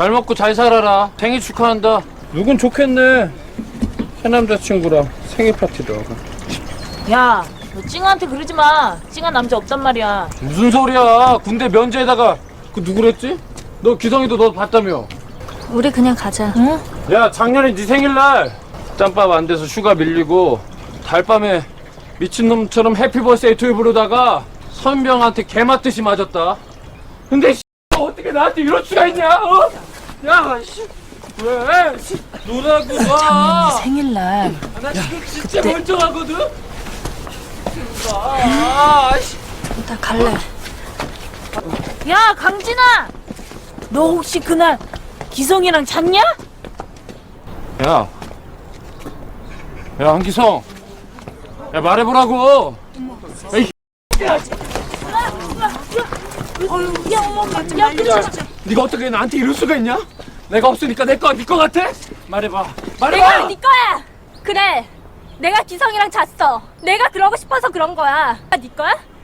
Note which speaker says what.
Speaker 1: 잘 먹고 잘 살아라. 생일 축하한다. 누군 좋겠네. 새 남자친구랑 생일 파티도 하고.
Speaker 2: 야, 너 찡한테 그러지 마. 찡한 남자 없단 말이야.
Speaker 1: 무슨 소리야. 군대 면제에다가 그 누구랬지? 너 기성이도 너 봤다며.
Speaker 3: 우리 그냥 가자.
Speaker 2: 응?
Speaker 1: 야, 작년에 네 생일날 짬밥 안 돼서 휴가 밀리고 달밤에 미친놈처럼 해피버스데이 투유 부르다가 선병한테 개맞듯이 맞았다. 근데 어떻게 나한테 이럴 수가 있냐? 어? 야, 왜? 노라고 봐.
Speaker 2: 생일날.
Speaker 1: 나 지금 진짜 멀쩡하거든. 아,
Speaker 3: 나 갈래.
Speaker 2: 야, 강진아! 너 혹시 그날 기성이랑 잤냐?
Speaker 1: 야, 한기성. 야, 말해보라고. 네가 어떻게 나한테 이럴 수가 있냐? 내가 없으니까 내 거야, 네 거 같아? 말해봐.
Speaker 3: 내가 네 거야. 그래. 내가 기성이랑 잤어. 내가 그러고 싶어서 그런 거야. 네 거야?